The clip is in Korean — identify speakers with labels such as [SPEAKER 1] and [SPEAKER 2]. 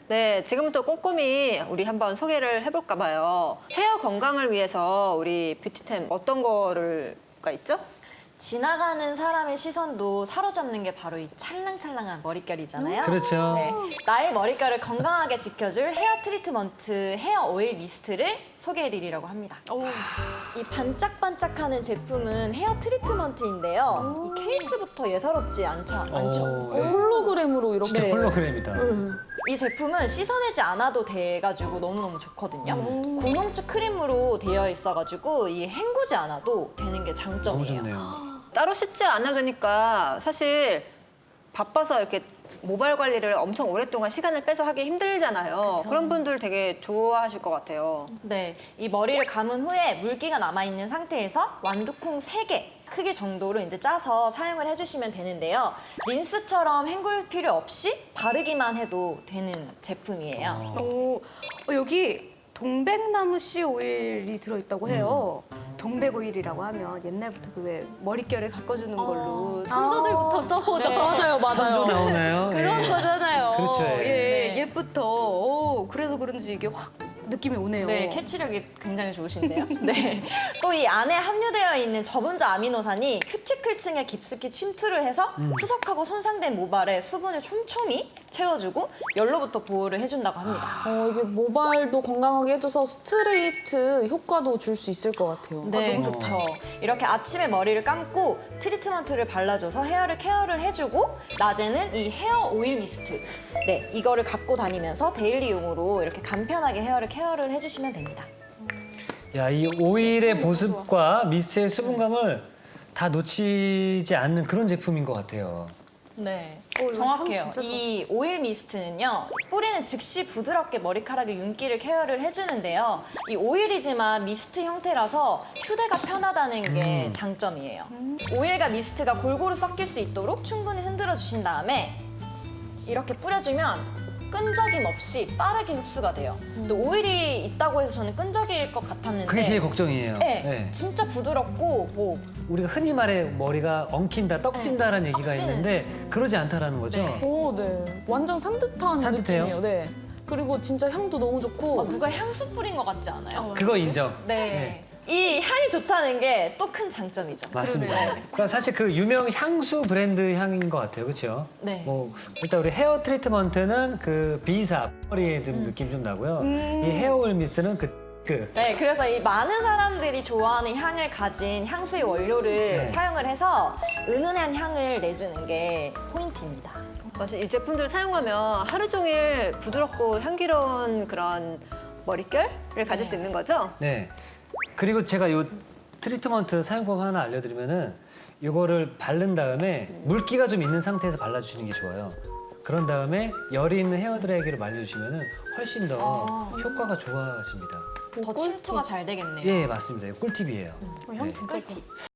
[SPEAKER 1] 네, 지금부터 꼼꼼히 우리 한번 소개를 해볼까 봐요. 헤어 건강을 위해서 우리 뷰티템 어떤 거가 있죠?
[SPEAKER 2] 지나가는 사람의 시선도 사로잡는 게 바로 이 찰랑찰랑한 머릿결이잖아요.
[SPEAKER 3] 그렇죠.
[SPEAKER 2] 네, 나의 머릿결을 건강하게 지켜줄 헤어 트리트먼트 헤어 오일 미스트를 소개해드리려고 합니다. 이 반짝반짝하는 제품은 헤어 트리트먼트인데요. 이 케이스부터 예사롭지 않죠?
[SPEAKER 3] 예.
[SPEAKER 4] 홀로그램으로 이렇게.
[SPEAKER 3] 진짜 홀로그램이다.
[SPEAKER 2] 이 제품은 씻어내지 않아도 돼가지고 너무너무 좋거든요. 고농축 크림으로 되어 있어가지고 이 헹구지 않아도 되는 게
[SPEAKER 3] 너무
[SPEAKER 2] 장점이에요.
[SPEAKER 3] 좋네요.
[SPEAKER 1] 따로 씻지 않아도 되니까 사실 바빠서 이렇게 모발 관리를 엄청 오랫동안 시간을 빼서 하기 힘들잖아요. 그런 분들 되게 좋아하실 것 같아요.
[SPEAKER 2] 네, 이 머리를 감은 후에 물기가 남아있는 상태에서 완두콩 3개 크기 정도로 이제 짜서 사용을 해주시면 되는데요. 린스처럼 헹굴 필요 없이 바르기만 해도 되는 제품이에요.
[SPEAKER 5] 여기 동백나무 씨 오일이 들어있다고 해요. 동백 오일이라고 하면 옛날부터 그 왜 머릿결을 가꿔주는 걸로 선조들부터 써오던
[SPEAKER 4] 맞아요, 맞아요.
[SPEAKER 3] 선조 나오나요?
[SPEAKER 5] 그런
[SPEAKER 3] 예.
[SPEAKER 5] 거잖아요.
[SPEAKER 3] 그렇죠, 예.
[SPEAKER 2] 네.
[SPEAKER 5] 옛부터. 그래서 그런지 이게 확 느낌이 오네요.
[SPEAKER 2] 네, 캐치력이 굉장히 좋으신데요. 네. 또 이 안에 함유되어 있는 저분자 아미노산이 큐티클층에 깊숙이 침투를 해서 투석하고 손상된 모발에 수분을 촘촘히 채워주고 열로부터 보호를 해준다고 합니다.
[SPEAKER 4] 이게 모발도 건강하게 해줘서 스트레이트 효과도 줄 수 있을 것 같아요.
[SPEAKER 2] 네, 너무 좋죠. 이렇게 아침에 머리를 감고 트리트먼트를 발라줘서 헤어를 케어를 해주고 낮에는 이 헤어 오일 미스트. 네, 이거를 갖고 다니면서 데일리용으로 이렇게 간편하게 헤어를 케어를 해주시면 됩니다.
[SPEAKER 3] 야, 이 오일의 보습과 미스트의 수분감을 다 놓치지 않는 그런 제품인 것 같아요.
[SPEAKER 2] 네,
[SPEAKER 5] 이거
[SPEAKER 2] 정확해요.
[SPEAKER 5] 향 진짜
[SPEAKER 2] 이 오일 미스트는요, 뿌리는 즉시 부드럽게 머리카락의 윤기를 케어를 해주는데요. 이 오일이지만 미스트 형태라서 휴대가 편하다는 게 장점이에요. 오일과 미스트가 골고루 섞일 수 있도록 충분히 흔들어 주신 다음에 이렇게 뿌려주면 끈적임 없이 빠르게 흡수가 돼요. 근데 오일이 있다고 해서 저는 끈적일 것 같았는데
[SPEAKER 3] 그게 제일 걱정이에요.
[SPEAKER 2] 네,
[SPEAKER 3] 예.
[SPEAKER 2] 진짜 부드럽고 뭐
[SPEAKER 3] 우리가 흔히 말해 머리가 엉킨다, 떡진다라는 얘기가
[SPEAKER 2] 떡지는.
[SPEAKER 3] 있는데 그러지 않다라는 거죠.
[SPEAKER 2] 네.
[SPEAKER 4] 네. 완전 산뜻한
[SPEAKER 3] 산뜻해요?
[SPEAKER 4] 느낌이에요. 네. 그리고 진짜 향도 너무 좋고.
[SPEAKER 2] 누가 향수 뿌린 것 같지 않아요?
[SPEAKER 3] 그거 인정.
[SPEAKER 2] 네. 이 향이 좋다는 게 또 큰 장점이죠.
[SPEAKER 3] 맞습니다.
[SPEAKER 2] 그러네요.
[SPEAKER 3] 그러니까 사실 그 유명 향수 브랜드 향인 것 같아요, 그렇죠?
[SPEAKER 2] 네.
[SPEAKER 3] 뭐 일단 우리 헤어 트리트먼트는 그 비사 머리에 좀 느낌 좀 나고요. 이 헤어 오일 미스트는 그
[SPEAKER 2] 네, 그래서 이 많은 사람들이 좋아하는 향을 가진 향수의 원료를
[SPEAKER 3] 네.
[SPEAKER 2] 사용을 해서 은은한 향을 내주는 게 포인트입니다.
[SPEAKER 1] 사실 이 제품들을 사용하면 하루 종일 부드럽고 향기로운 그런 머릿결을 가질 수 있는 거죠?
[SPEAKER 3] 네. 그리고 제가 요 트리트먼트 사용법 하나 알려드리면은 이거를 바른 다음에 물기가 좀 있는 상태에서 발라주시는 게 좋아요. 그런 다음에 열이 있는 헤어 드라이기로 말려주시면은 훨씬 더 효과가 좋아집니다.
[SPEAKER 2] 더 침투가 잘 되겠네요.
[SPEAKER 3] 예, 맞습니다. 이거 꿀팁이에요.
[SPEAKER 5] 향
[SPEAKER 3] 네.
[SPEAKER 5] 진짜 좋아.